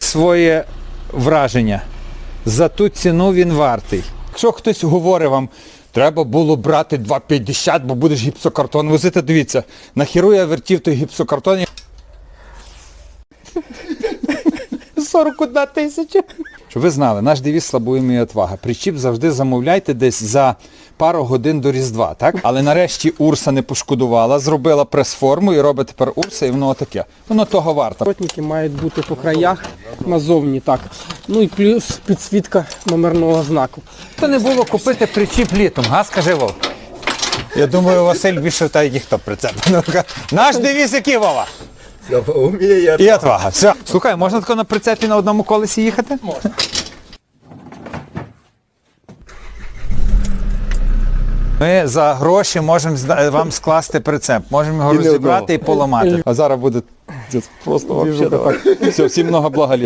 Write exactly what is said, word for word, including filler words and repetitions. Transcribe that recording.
своє враження. За ту ціну він вартий. Якщо хтось говорить вам, треба було брати два п'ятдесят, бо будеш гіпсокартон возити, дивіться, нахеру я вертів той гіпсокартон. сорок одна тисяча. Щоб ви знали, наш девіз «Слабуємо і отвага». Причіп завжди замовляйте десь за пару годин до Різдва, так? Але нарешті Урса не пошкодувала, зробила прес-форму і робить тепер Урса, і воно таке. Воно того варто. Поворотники мають бути по краях, назовні так. Ну і плюс підсвітка номерного знаку. То не було купити причіп літом, га, скажи, Вов? Я думаю, Василь більше в та ніхто прицеп. Наш девіз який, Вова? Уміє. І отвага. Все. Слухай, можна тако на прицепі на одному колесі їхати? Можна. Ми за гроші можемо вам скласти прицеп. Можемо його розібрати і поламати. А зараз буде просто взагалі. Все, всім много блага літа.